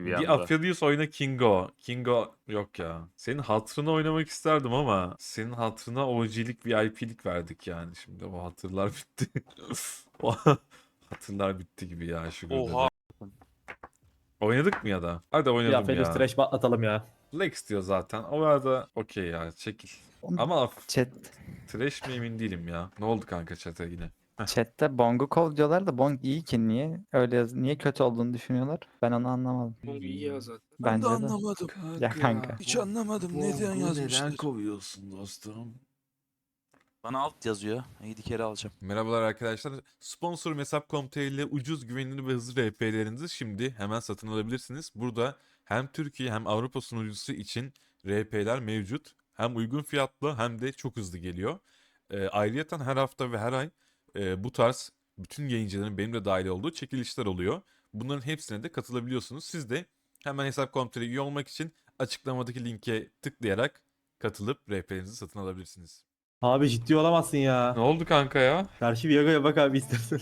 bir Bir anda. Aphelios oyna Kingo. Kingo yok ya. Senin hatırına oynamak isterdim ama senin hatırına OG'lik VIP'lik verdik yani. Şimdi o hatırlar bitti. O hatırlar bitti gibi ya Sugar'da Oha. da. Oynadık mı ya da? Hadi Ya oynadım Feliz ya. Trash atalım ya. Flex diyor zaten. O arada okey ya çekil. Ama Chat, trash mi emin değilim ya. Ne oldu kanka chat'e yine? chatte Bong'u kov diyorlar da Bong iyi ki niye öyle niye kötü olduğunu düşünüyorlar? Ben onu anlamadım. Bong iyi ya zaten. Ben de Bence de. anlamadım. Ya kanka. Hiç anlamadım. Neden yazmışlar? kovuyorsun dostum? Bana alt yazıyor. 7 kere alacağım. Merhabalar arkadaşlar. Sponsor Hesap.com.tr ile ucuz, güvenilir ve hızlı RP'lerinizi şimdi hemen satın alabilirsiniz. Burada hem Türkiye hem Avrupa sunucusu için RP'ler mevcut. Hem uygun fiyatlı hem de çok hızlı geliyor. Ayrıyeten her hafta ve her ay bu tarz bütün yayıncıların benim de dahil olduğu çekilişler oluyor. Bunların hepsine de katılabiliyorsunuz. Siz de hemen Hesap.com.tr üye olmak için açıklamadaki linke tıklayarak katılıp RP'lerinizi satın alabilirsiniz. Abi ciddi olamazsın ya. Ne oldu kanka ya? Karşı Viaga'ya bak abi istersen.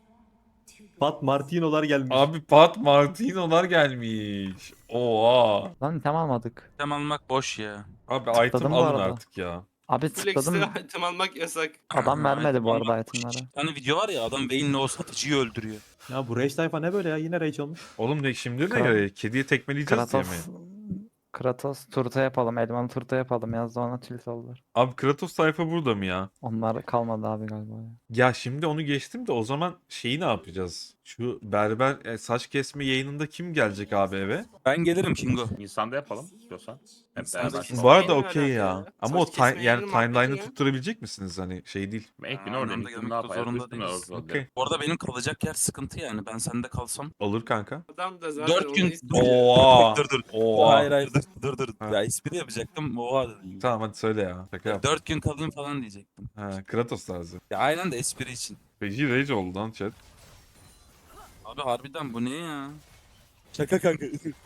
Pat Martino'lar gelmiş. Abi Pat Martino'lar gelmiş. Oha. Lan item almadık. Tem almak boş ya. Abi item Tıkladım bu alın arada. artık ya. Abi Flex'te tıkladım. item almak yasak. Adam vermedi bu arada Almak boş. itemleri. Bir tane video var ya, adam Vayne'le o satıcıyı öldürüyor. Ya bu Rage tayfa ne böyle ya? Yine Rage olmuş. Oğlum ne şimdi ne Kral- göre? Kediye tekmeleyeceğiz diye mi? Kratos turta yapalım. Elmalı turta yapalım. Yazdı ona tilt oldular. Abi Kratos sayfa burada mı ya? Onlar kalmadı abi galiba ya. Ya şimdi onu geçtim de o zaman şeyi ne yapacağız? Şu berber saç kesme yayınında kim gelecek abi eve? Ben gelirim Kingo. İnsanda yapalım istiyorsan. Hep İnsanda beraber. kesin. Bu arada Yayını okey alaka ya. ya. Ama Saç o kesme yani yayını muhabbeti timeline'ı ya. tutturabilecek misiniz hani şey değil. Ekbin Aa, orada anlamda gittim gelmek ne de yapayım? zorunda Üstüne değiliz. oldu. Okey. Bu arada benim kalacak yer sıkıntı yani. Ben sende kalsam. Olur kanka. Adam da zaten 4 gün. onu istiyor. Oha. Dur. Oha. Hayır dur. Ha. Ya espri yapacaktım. Oha dedim. Tamam hadi söyle ya. Şaka yap. 4 gün kalayım falan diyecektim. Ha, Kratos tarzı. Ya aynen de espri için. Feci rage oldu lan chat. Abi harbiden bu ne ya? Şaka kanka.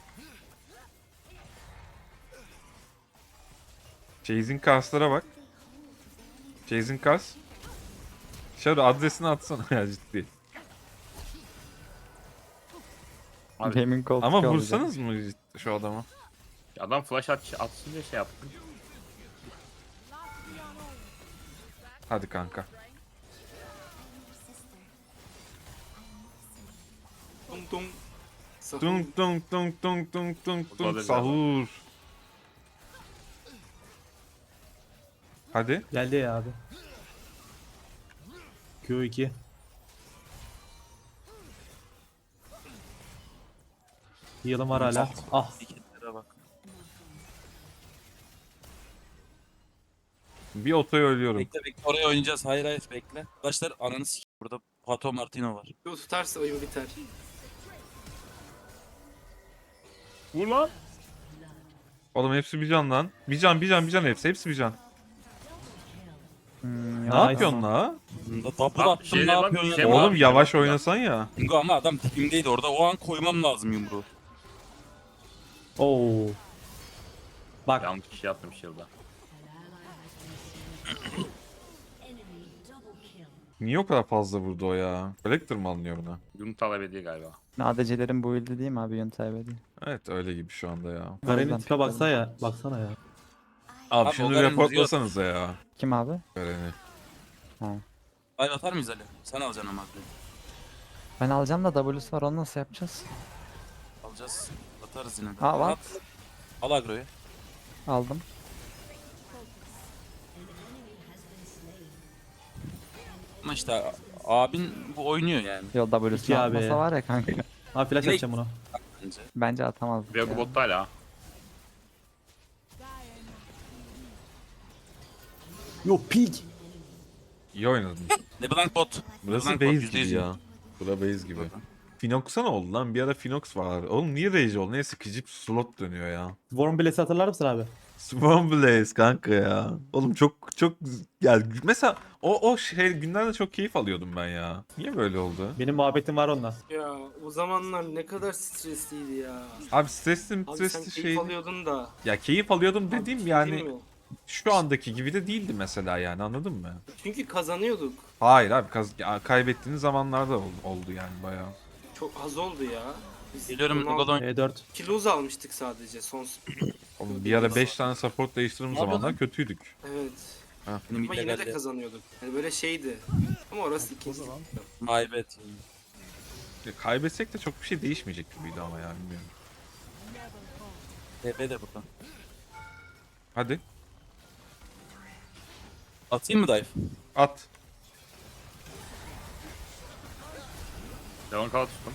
Chasing Cars'lara bak. Chasing Cars. Şöyle adresini atsana ya ciddi. Abi, Gaming koltuk Ama alacağım. vursanız mı şu adama? adam flash atsın diye şey yaptım. Hadi kanka. Tung tung. Sahur. Tung tung tung tung tung tung tung Olabilir. sahur. Hadi. Geldi ya abi. Q2. Heal'ım var hala. Ah. Hareketlere bak. Bir otoyu ölüyorum. Bekle oraya oynayacağız. Hayır bekle. Arkadaşlar ananı s***. Burada Pato Martino var. Yo tutarsa oyun biter. Vur lan. Oğlum hepsi bir can lan. Bir can hepsi. Hepsi bir can. Ne Nice. yapıyorsun la? Double Bak, attım şeyle ne bak, yapıyorsun şey ya? var. Oğlum abi, yavaş bak, oynasan ya. Bingo ama adam dibimdeydi orada. O an koymam lazım yumruğu. Oo. Bak. Yanlış kişi yaptım shield'a. Niye o kadar fazla vurdu o ya? Collector mı alınıyor buna? Yunus talep ediyor galiba. ADC'lerin bu build'i değil mi abi? Yöntemi değil. Evet öyle gibi şu anda ya. Garen'in tipe baksana ya. Baksana ya. Abi, Abi, şunu o Garen reportlasanıza ya. Kim abi? Garen'i. Ay atar mıyız Ali? Sen alacaksın ama aklı. Ben alacağım da W'su var, onu nasıl yapacağız? Alacağız. Atarız yine. de. Aa, var. At. Al agroyu. Aldım. Ama işte abin bu oynuyor yani. Yo W'su İki abi. atmasa var ya kanka. Abi flash Ne? atacağım bunu. Bence. Bence atamazdık Viago ya. botta hala. Yo pig. İyi oynadın. LeBlanc bot. Burası LeBlanc base bot, gibi %100 ya. Bura base gibi. Finox'a ne oldu lan? Bir ara Finox var. Oğlum niye rage oldu? Neyse sıkıcı slot dönüyor ya. Warren Bless'i hatırlar mısın abi? Swarm Blaze kanka ya. Oğlum çok ya mesela o şey günlerde çok keyif alıyordum ben ya. Niye böyle oldu? Benim muhabbetim var onunla. Ya o zamanlar ne kadar stresliydi ya. Abi stresli Abi sen stresli keyif şey. alıyordun da. Ya keyif alıyordum Abi, dediğim şey yani değil mi? şu andaki gibi de değildi mesela yani anladın mı? Çünkü kazanıyorduk. Hayır abi kaybettiğiniz zamanlarda oldu yani bayağı. Çok az oldu ya. Biz Geliyorum bunu Gogodon. E4. Kiloz almıştık sadece son. Oğlum bir ara 5 tane support değiştirdiğim Ne yapıyordun? zamanlar kötüydük. Evet. Benim Ama yine de illegalde. kazanıyorduk. Yani böyle şeydi. Ama orası ikinci. My bad. Ya kaybetsek de çok bir şey değişmeyecek gibiydi ama ya bilmiyorum. TP de burada. Hadi Atayım mı dive? at. Leon kal tuttum.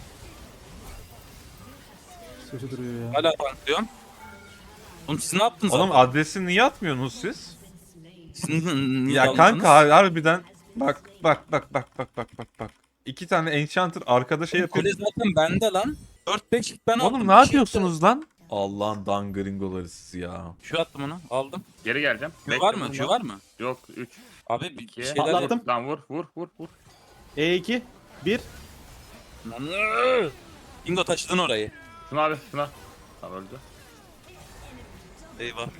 Kötü duruyor ya. Hala tanklıyorum. Oğlum siz ne yaptınız Oğlum abi? adresi niye atmıyorsunuz siz? Siz niye Ya aldınız? kanka harbiden bak. 2 tane enchanter arkada şey yapıyor. Kule zaten bende lan. 4-5 hit ben aldım. Oğlum Bir ne şey yapıyorsunuz lan? Allah'ın dangringoları siz ya. yok. Şu attım onu. Aldım. Geri geleceğim. Q var mı? Q var mı? Yok 3, Abi bir 2. şeyler Patlattım. Lan vur. E2. 1. Bingo taşıdın orayı. Şuna abi şuna. Tamam öldü. Eyvah.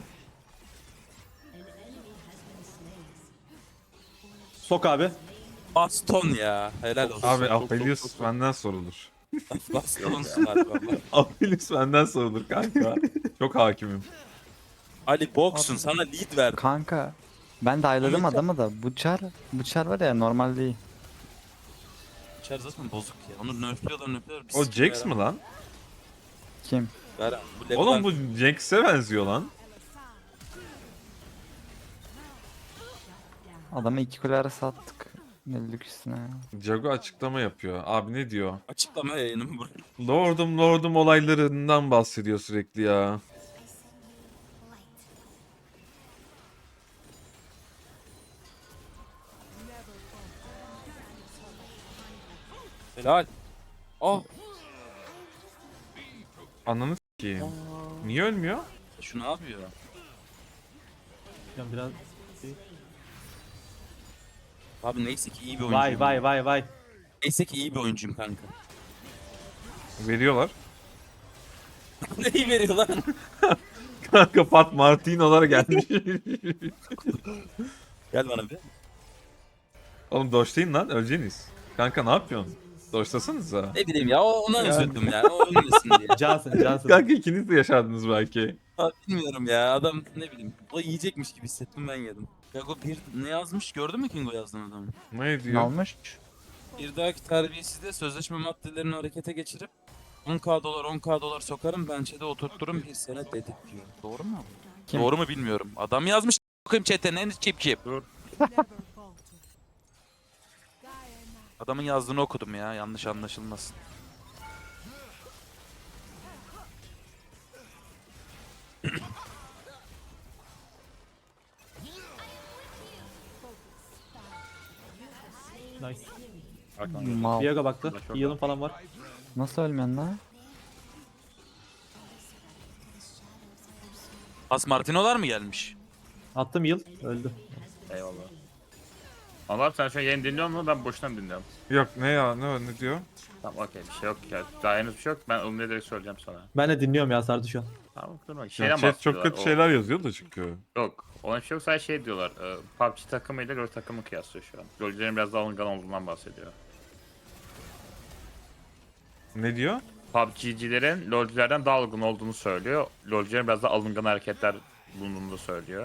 Sok abi. Baston ya. Helal olsun. Abi çok, Aphelios çok. benden sorulur. Bastonsun abi valla. Aphelios benden sorulur kanka. Çok hakimim. Ali boksun sana lead verdim. Kanka ben de ayladım adamı da bu çar var ya normal değil. İçer zaten bozuk ya. Onu nerfliyorlar. Bir O sikim Jax mı lan? Kim? Ver abi, bu Oğlum level'dan- bu Jax'e benziyor lan. Adamı 2 kule arası attık. Öldük üstüne ya. Jago açıklama yapıyor. Abi ne diyor? Açıklama yayınımı buraya. Lordum olaylarından bahsediyor sürekli ya. Helal. Oh. Ananı s**eyim. Niye ölmüyor? Şu ne yapıyor? Biraz. Abi neyse ki iyi bir oyuncuyum. Vay. Neyse ki iyi bir oyuncuyum kanka. Veriyorlar. Neyi veriyor lan? Kanka Pat Martino'lar gelmiş. Gel bana bir. Oğlum doşlayın lan öleceğiniz. Kanka ne yapıyorsun? Doşlasanıza. Ne bileyim ya ona üzüldüm ya. O ölmesin diye. Cansın. Kanka ikiniz de yaşardınız belki. Abi bilmiyorum ya adam ne bileyim. O yiyecekmiş gibi hissettim ben yedim. Yago bir ne yazmış gördün mü Kingo yazdığın adamı? Ne Ne diyor? olmuş? Bir dahaki terbiyesizde sözleşme maddelerini harekete geçirip 10k dolar sokarım bençede oturturum bir sene dedik diyor. Doğru mu? Kim? Doğru mu bilmiyorum. Adam yazmış bakayım chat'e ne çip. Dur. Adamın yazdığını okudum ya yanlış anlaşılmasın. Nice. Arkan Mal. Viago baktı. Flash orada. Heal'ın falan var. Nasıl ölmüyorsun lan? Has Martino'lar mı gelmiş? Attım heal. Öldü. Eyvallah. Anlar sen şu an yayın dinliyor musun? Ben boşuna mı dinliyorum? Yok ne ya ne diyor? Tamam okey bir şey yok ya. Daha henüz bir şey yok. Ben onu ne direkt söyleyeceğim sana. Ben de dinliyorum ya sardı şu an. Tamam durma. Ya Şeyden chat çok bahsediyorlar. kötü O- şeyler yazıyor da çünkü. Yok. Ona bir şey yok. Sadece şey diyorlar. PUBG takımıyla LoL takımı kıyaslıyor şu an. LoL'lerin biraz daha alıngan olduğundan bahsediyor. Ne diyor? PUBG'cilerin LoL'cülerden daha alıngan olduğunu söylüyor. LoL'cülerin biraz daha alıngan hareketler bulunduğunu da söylüyor.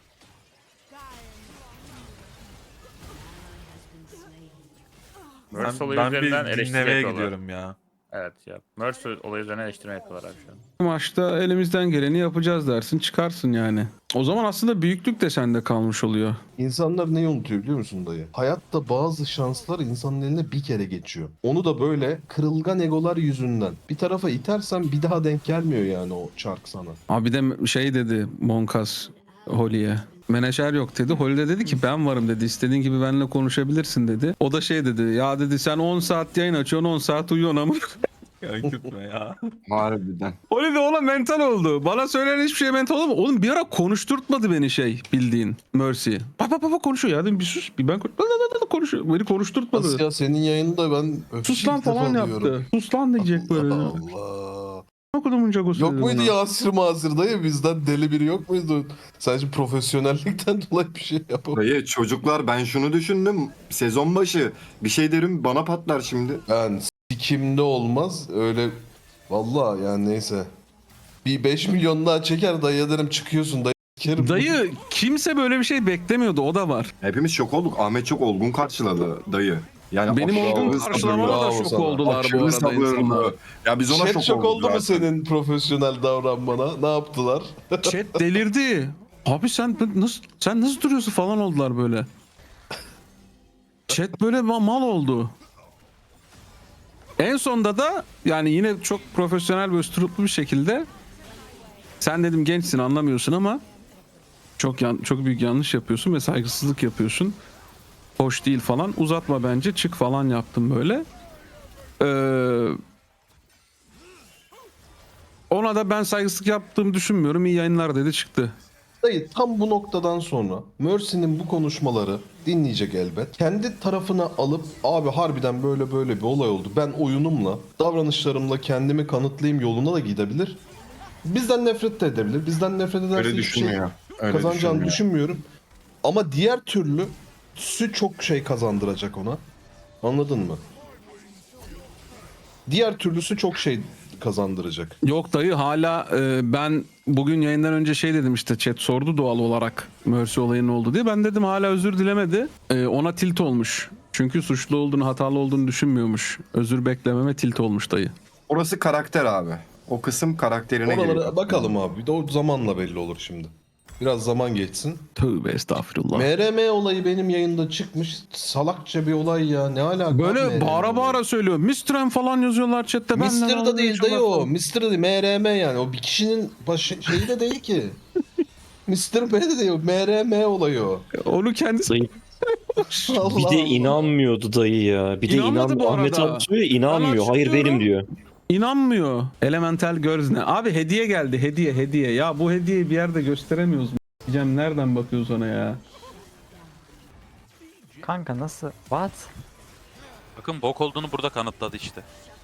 Mercy olayı Ben bir üzerinden eleştiri dinlemeye yapıyorlar. gidiyorum ya. Evet ya. Mercy olayı üzerinden eleştirme yapıyorlar abi şu an. Maçta elimizden geleni yapacağız dersin çıkarsın yani. O zaman aslında büyüklük de sende kalmış oluyor. İnsanlar neyi unutuyor biliyor musun dayı? Hayatta bazı şanslar insanın eline bir kere geçiyor. Onu da böyle kırılgan egolar yüzünden. Bir tarafa itersen bir daha denk gelmiyor yani o çark sana. Abi de şey dedi Monkas Holly'e. Menajer yok dedi. Holly de dedi ki ben varım dedi. İstediğin gibi benimle konuşabilirsin dedi. O da şey dedi. Ya dedi sen 10 saat yayın açıyorsun 10 saat uyuyorsun ama. Ya gitme ya. Harbiden. Holly de oğlum mental oldu. Bana söylenen hiçbir şey mental olmadı. Oğlum bir ara konuşturtmadı beni şey bildiğin Mercy. Bak konuşuyor ya. Dedim bir sus. Bir ben konuşuyor. Beni konuşturtmadı. Nasıl ya senin yayında ben Sus lan ilk defa falan duyuyorum. yaptı. Sus lan diyecek böyle. Allah Allah. Okudumun cagosu Yok dedi muydu bana. Yasir Mazir dayı bizden deli biri yok muydu? Sadece profesyonellikten dolayı bir şey yapamıyor. Dayı çocuklar ben şunu düşündüm. Sezon başı bir şey derim bana patlar şimdi. Ben sikimde olmaz öyle Vallahi yani neyse. Bir 5 milyon daha çeker dayı derim çıkıyorsun dayı. Sikerim. Dayı kimse böyle bir şey beklemiyordu, o da var. Hepimiz şok olduk. Ahmet çok olgun karşıladı dayı. Yani Benim aşırı olgun sabırlı, karşılamama da bravo şok sana. oldular bu aşırı arada sabırlı. insanlar. Ya biz ona Chat şok oldu mu zaten. senin profesyonel davranmana? Ne yaptılar? Chat delirdi. Abi sen nasıl duruyorsun falan oldular böyle. Chat böyle mal oldu. En sonda da yani yine çok profesyonel ve üsturuplu bir şekilde sen dedim gençsin anlamıyorsun ama çok büyük yanlış yapıyorsun ve saygısızlık yapıyorsun. Hoş değil falan. Uzatma bence. Çık falan yaptım böyle. Ona da ben saygısızlık yaptığımı düşünmüyorum. İyi yayınlar dedi çıktı. Dayı tam bu noktadan sonra Mercy'nin bu konuşmaları dinleyecek elbet. Kendi tarafına alıp abi harbiden böyle böyle bir olay oldu. Ben oyunumla, davranışlarımla kendimi kanıtlayayım yoluna da gidebilir. Bizden nefret de edebilir. Bizden nefret ederse Öyle hiçbir şey düşünmüyor. Öyle kazanacağını düşünmüyor. düşünmüyorum. Ama diğer türlüsü çok şey kazandıracak ona. Anladın mı? Diğer türlüsü çok şey kazandıracak. Yok dayı hala ben bugün yayından önce şey dedim işte chat sordu doğal olarak Mercy olayının oldu diye. Ben dedim hala özür dilemedi. Ona tilt olmuş. Çünkü suçlu olduğunu, hatalı olduğunu düşünmüyormuş. Özür beklememe tilt olmuş dayı. Orası karakter abi. O kısım karakterine Oralara geliyor. bakalım abi. Bir de o zamanla belli olur şimdi. Biraz zaman geçsin. Tövbe estağfurullah. MRM olayı benim yayında çıkmış. Salakça bir olay ya. Ne alaka? Böyle MRM bağıra olayı? bağıra söylüyor. Mistrem falan yazıyorlar chatte. Mister da değil dayı o. Mister da değil. MRM yani. O bir kişinin şeyi de değil ki. Mr. B de değil. MRM olayı o. Onu kendisi... Dayı, Allah bir de Allah. inanmıyordu dayı ya. Bir de İnanmadı bu Ahmet arada. abi söylüyor inanmıyor. Ben Hayır benim açıklıyorum. diyor. İnanmıyor. Elemental Girls ne? Abi hediye geldi. Hediye. Ya bu hediyeyi bir yerde gösteremiyoruz mu? Diyeceğim nereden bakıyoruz ona ya? Kanka nasıl? What? Bakın bok olduğunu burada kanıtladı işte.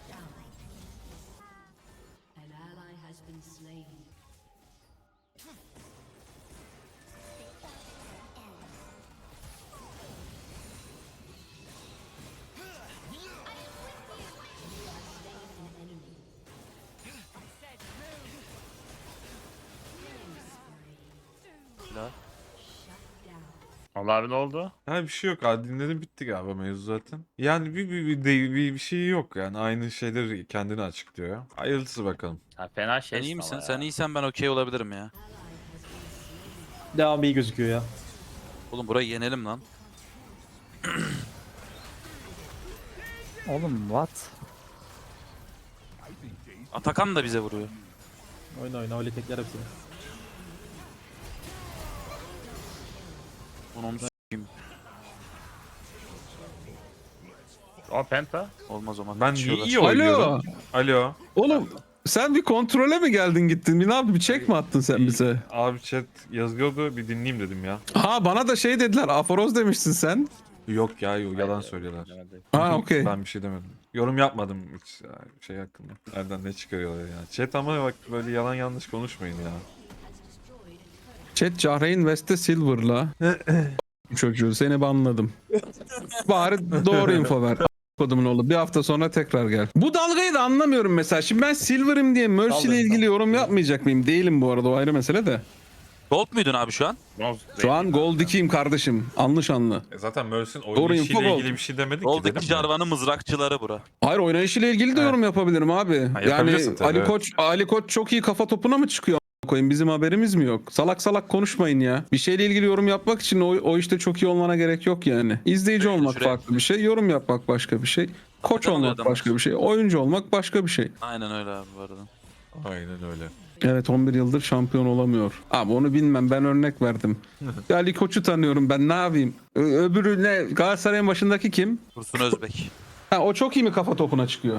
Allah abi ne oldu? Ha bir şey yok abi, dinledim bitti galiba mevzu zaten. Yani bir şey yok yani, aynı şeyleri kendini açıklıyor ya. Hayırlısı bakalım. Ha, fena şey. Sen iyi misin? ama Sen ya. iyisen ben okey olabilirim ya. Devam iyi gözüküyor ya. Oğlum burayı yenelim lan. Oğlum what? Atakan da bize vuruyor. Oyna öyle tekler hepsini. Onu s**eyim. O penta. Olmaz o zaman. Ben Kaçıyorlar. iyi oynuyorum. Alo. Oğlum sen bir kontrole mi geldin gittin? Bir ne yaptın? Bir check mi attın sen bize? Abi chat yazıyordu, bir dinleyeyim dedim ya. Ha bana da şey dediler. Aforoz demiştin sen. Yok ya, yok, yalan söylüyorlar. Ha okey. Ben bir şey demedim. Yorum yapmadım hiç şey hakkında. Nereden ne çıkarıyorlar ya. Chat ama bak böyle yalan yanlış konuşmayın ya. Chat Cahreyn West'te Silver'la. Çocuğu seni banladım. Bari doğru info ver. Kodumun oğlu. Bir hafta sonra tekrar gel. Bu dalgayı da anlamıyorum mesela. Şimdi ben Silver'ım diye Mercy ile ilgili yorum yapmayacak mıyım? Değilim bu arada, o ayrı mesele de. Gold muydun abi şu an? Şu an Gold 2'yim kardeşim. Anlış anlı. Zaten Mercy'nin Doğru oynayışıyla info ilgili bir şey demedik ki Gold'daki dedim ya. Jarvan'ın mızrakçıları bura. Hayır, oynayışıyla ilgili de yorum yapabilirim abi. Yani yapabilirsin tabii, Ali evet. Ali Koç çok iyi kafa topuna mı çıkıyor? Koyayım, bizim haberimiz mi yok? Salak salak konuşmayın ya. Bir şeyle ilgili yorum yapmak için o işte çok iyi olmana gerek yok yani. İzleyici olmak şuraya- farklı bir şey, yorum yapmak başka bir şey. Koç Neden oluyor olmak adamlar? başka bir şey, oyuncu olmak başka bir şey. Aynen öyle abi bu arada. Aynen öyle. Evet, 11 yıldır şampiyon olamıyor. Abi onu bilmem, ben örnek verdim. Ya Ali Koç'u tanıyorum, ben ne yapayım? Öbürü ne? Galatasaray'ın başındaki kim? Dursun Özbek. Ha, o çok iyi mi kafa topuna çıkıyor?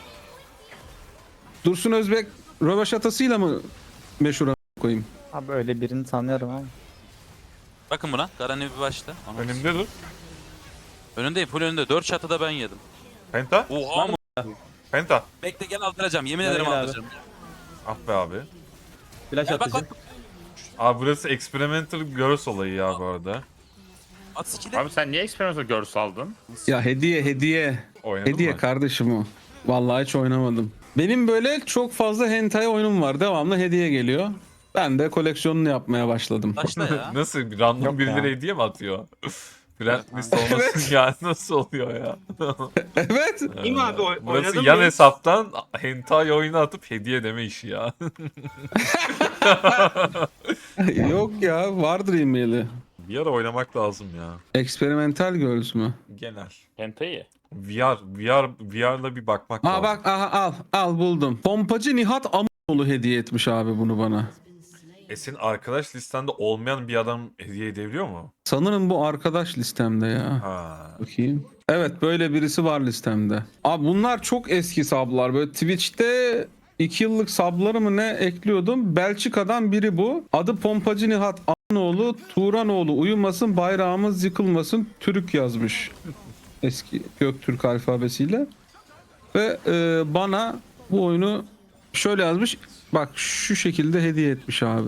Dursun Özbek rövaşatasıyla mı meşhur koyayım? Abi öyle birini tanıyorum ama. Bakın buna. Garani bir başla. Ana- Önümde dur. Önündeyim. Full önünde. 4 şatı da ben yedim. Penta. Oha mı? Penta. Bekle gel aldıracağım. Yemin Gel, ederim gel abi. aldıracağım. Ah be abi. Flash Gel bak atacağım. bak. Abi burası experimental girls olayı ya bu arada. At skill'i. Abi sen niye experimental girls aldın? Ya hediye. Oynadın Hediye mı? kardeşim o. Vallahi hiç oynamadım. Benim böyle çok fazla hentai oyunum var. Devamlı hediye geliyor. Ben de koleksiyonunu yapmaya başladım. Başla ya. Nasıl bir random Yok birileri ya. hediye mi atıyor? Friend list Evet. olmasın ya nasıl oluyor ya? Evet. İyi mi abi? Burası Oynadın yan mı? hesaptan hentai oyunu atıp hediye deme işi ya. Yok ya, vardır e-maili. Bir ara oynamak lazım ya. Experimental Girls mü? Genel. Hentai. VR'la bir bakmak Aa lazım. bak, aha, al buldum. Pompacı Nihat Amoğlu hediye etmiş abi bunu bana. Senin arkadaş listende olmayan bir adam hediye edebiliyor mu? Sanırım bu arkadaş listemde ya. Ha. Bakayım. Evet, böyle birisi var listemde. Abi bunlar çok eski sablar. Böyle Twitch'te 2 yıllık sabları mı ne ekliyordum. Belçika'dan biri bu. Adı Pompacı Nihat Anoğlu, Turanoğlu uyumasın, bayrağımız yıkılmasın, Türk yazmış. Eski Göktürk alfabesiyle. Ve bana bu oyunu şöyle yazmış. Bak şu şekilde hediye etmiş abi.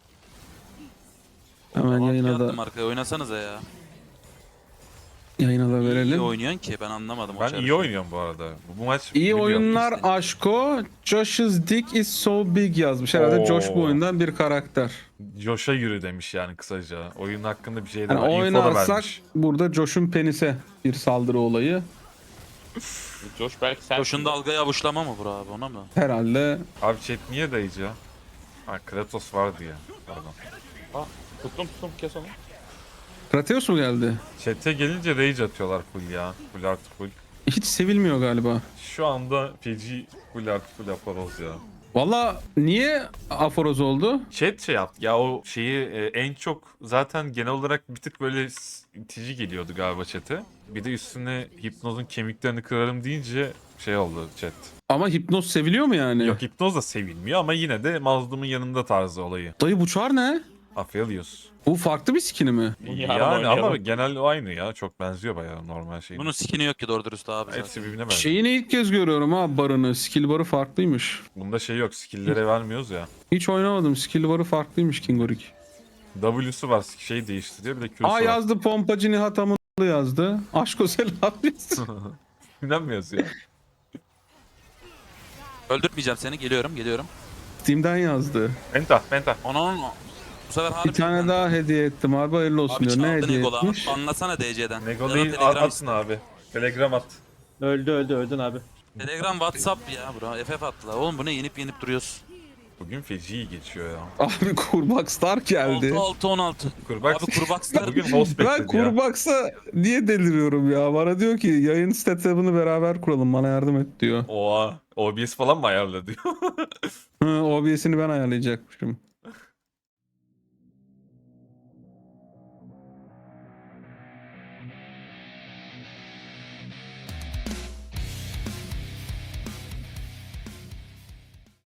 Hemen yayına da, Arkaya oynasanıza ya. yayına da İyi verelim. oynuyorsun ki ben anlamadım. o Ben çarpı. iyi oynuyorum bu arada. Bu maç İyi biliyorum. oyunlar aşko. Josh's dick is so big yazmış. Herhalde Oo. Josh bu oyundan bir karakter. Josh'a yürü demiş yani kısaca. Oyun hakkında bir şey de Yani var. Info da oynarsak vermiş. burada Josh'un penise bir saldırı olayı. Josh belki sen... Koşun dalgayı avuçlama mı bro abi ona mı? Herhalde Abi chat niye dayıcı? Ha Kratos vardı ya. Pardon. Tuttum kes onu. Kratos mu geldi? Chat'e gelince rage atıyorlar full ya. Full artı full. Hiç sevilmiyor galiba. Şu anda feci full artı full yaparız ya. Valla niye aforoz oldu? Chat şey yaptı ya o şeyi en çok zaten genel olarak bir tık böyle itici geliyordu galiba chat'e. Bir de üstüne hipnozun kemiklerini kırarım deyince şey oldu chat. Ama hipnoz seviliyor mu yani? Yok hipnoz da sevilmiyor ama yine de mazlumun yanında tarzı olayı. Dayı bu çar ne? Aphelios. Bu farklı bir skini mi? Yani ama genel aynı ya. Çok benziyor bayağı normal şey. Bunun skin'i yok ki doğru dürüst abi zaten. Hepsi birbirine benziyor. Şeyini ilk kez görüyorum ha, barını. Skill barı farklıymış. Bunda şey yok. Skill'lere vermiyoruz ya. Hiç oynamadım. Skill barı farklıymış Kingorik. W'su var. Şey değiştiriyor. Bir de Q'su Aa var. yazdı, Pompacı Nihat Amoğlu yazdı. Aşko selam yazdı. Neden mi yazıyor? Öldürtmeyeceğim seni geliyorum. Steam'den yazdı. Penta. Onun bu sefer harbi. Bir tane daha hediye ettim abi, hayırlı olsun Abi diyor. Ne çaldın hediye Egola. etmiş? Anlasana DC'den. Nego'yu Telegram atın abi. Telegram at. Öldün abi. Telegram WhatsApp ya bro. FF attılar. Oğlum bu ne yenip duruyoruz. Bugün feci geçiyor ya. Abi Kurbakstar geldi. 6-16. Kurbaks. Abi Kurbakslar Bugün host Ben bekledi ya. Kurbaksa niye deliriyorum ya? Bana diyor ki yayın setup'ını beraber kuralım, bana yardım et diyor. Oha. OBS falan mı ayarladı? Hı, OBS'ini ben ayarlayacakmışım.